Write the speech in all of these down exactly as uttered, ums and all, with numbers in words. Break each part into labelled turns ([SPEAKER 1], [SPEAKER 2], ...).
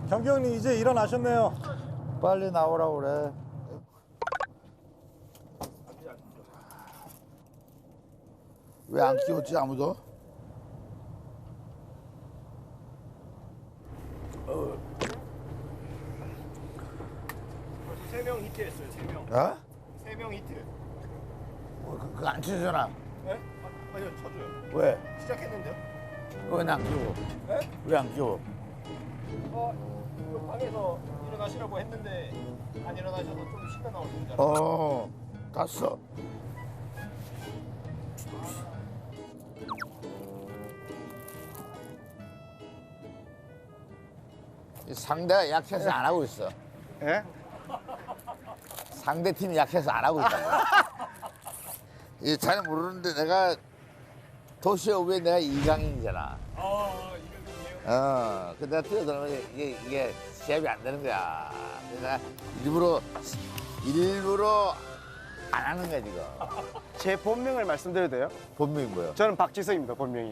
[SPEAKER 1] 경기 형님 이제 일어나셨네요.
[SPEAKER 2] 빨리 나오라고 그래. 왜 안 끼웠지 아무도?
[SPEAKER 3] 세 명 히트했어요, 세 명.
[SPEAKER 2] 어?
[SPEAKER 3] 세 명 히트.
[SPEAKER 2] 뭐, 그, 그거 안 치잖아.
[SPEAKER 3] 네? 아, 아니요, 쳐줘요.
[SPEAKER 2] 왜?
[SPEAKER 3] 시작했는데요?
[SPEAKER 2] 왜 안 끼워?
[SPEAKER 3] 네?
[SPEAKER 2] 왜 안 끼워?
[SPEAKER 3] 어, 그 방에서 일어나시라고 했는데 안 일어나셔서 좀 쉬다 나오신 줄 알았어요.
[SPEAKER 2] 어, 갔어. 이 상대가 약해서 안 하고 있어.
[SPEAKER 3] 예?
[SPEAKER 2] 상대 팀이 약해서 안 하고 있다. 이잘 모르는데 내가 도시오브에 내가 이강인이잖아.
[SPEAKER 3] 아, 이거
[SPEAKER 2] 어, 근데 내가 뛰어들어가면 이게, 이게 시합이 안 되는 거야. 그래서 내가 일부러, 일부러 안 하는 거야, 지금.
[SPEAKER 4] 제 본명을 말씀드려도 돼요?
[SPEAKER 2] 본명이 뭐야?
[SPEAKER 4] 저는 박지성입니다, 본명이.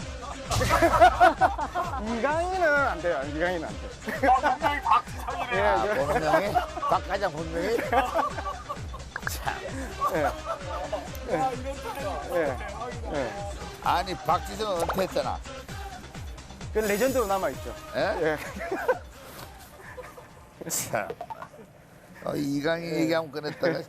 [SPEAKER 4] 이강인은 안 돼요, 이강인은 안 돼요.
[SPEAKER 3] 본명이 박지성이네.
[SPEAKER 2] 아,
[SPEAKER 4] 예,
[SPEAKER 2] 본명이? 박과장 본명이? 참.
[SPEAKER 4] 예,
[SPEAKER 3] 아, 이런 스타일이
[SPEAKER 4] 예, 예.
[SPEAKER 2] 아니, 박지성은 은퇴했잖아.
[SPEAKER 4] 그 레전드로 남아있죠.
[SPEAKER 2] 예?
[SPEAKER 4] 예.
[SPEAKER 2] 참. 어, 이강인 얘기하면 꺼냈다가.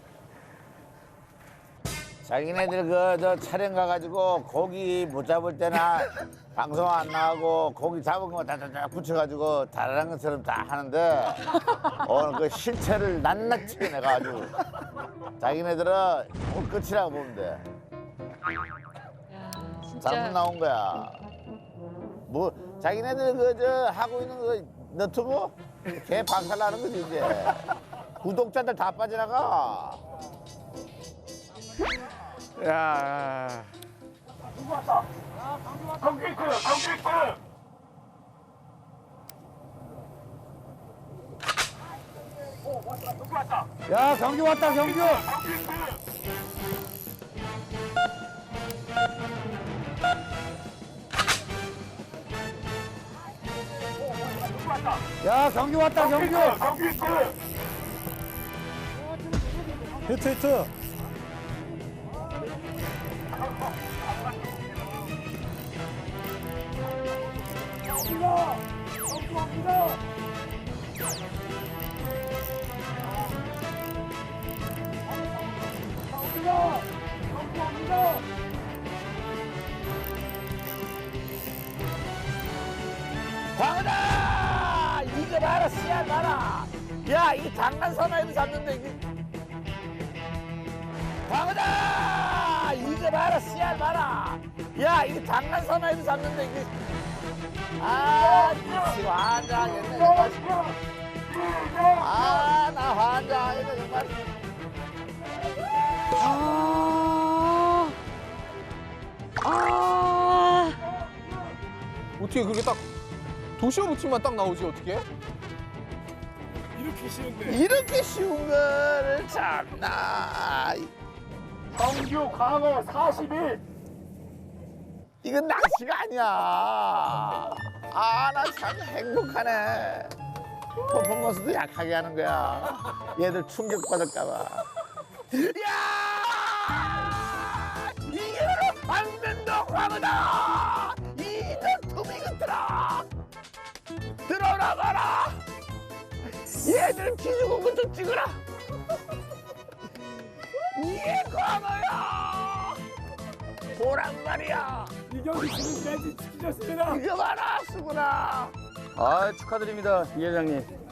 [SPEAKER 2] 자기네들 그 저 촬영 가가지고 고기 못 잡을 때나 방송 안 나가고 고기 잡은 거 다다다 붙여가지고 다른 것처럼 다 하는데 오늘 그 실체를 낱낱이 내가 아주 자기네들은 오늘 끝이라고 보면 돼.
[SPEAKER 5] 야,
[SPEAKER 2] 잘못
[SPEAKER 5] 진짜
[SPEAKER 2] 나온 거야. 뭐 자기네들 그 저 하고 있는 그 너튜브 개 박살나는 거지 이제. 구독자들 다 빠져나가.
[SPEAKER 4] 야,
[SPEAKER 3] 경기트, 경기트.
[SPEAKER 1] 야 경기 왔다 경기. 야 경기 왔다 경기. 히트 히트.
[SPEAKER 2] 광어다! 이거 봐라, 씨알 봐라. 야, 이게 장난 사나이도 잡는데, 이게. 광어다! 이거 봐라, 씨알 봐라. 야, 이게 장난 사나이도 잡는데, 이게. 아, 미치 환장하겠네, 정말. 아, 나 환장하겠네, 정말.
[SPEAKER 5] 아, 아,
[SPEAKER 6] 어떻게 그게 딱 도시오브 팀만 딱 나오지 어떻게?
[SPEAKER 3] 이렇게 쉬운데.
[SPEAKER 2] 이렇게 쉬운 거를 참나.
[SPEAKER 3] 정규 광어 사십일.
[SPEAKER 2] 이건 낚시가 아니야. 아, 나 참 행복하네. 퍼포먼스도 약하게 하는 거야. 얘들 충격받을까봐. 야! 이게 바로 반면도 광어다! 이런 투미 같더라! 들어라 봐라! 얘들 기죽은 것 좀 찍어라! 이게 광어야! 보란 말이야!
[SPEAKER 3] 이 경기 지금까지 지키셨습니다.
[SPEAKER 2] 이거 봐라, 수구나!
[SPEAKER 4] 아 축하드립니다, 이 회장님.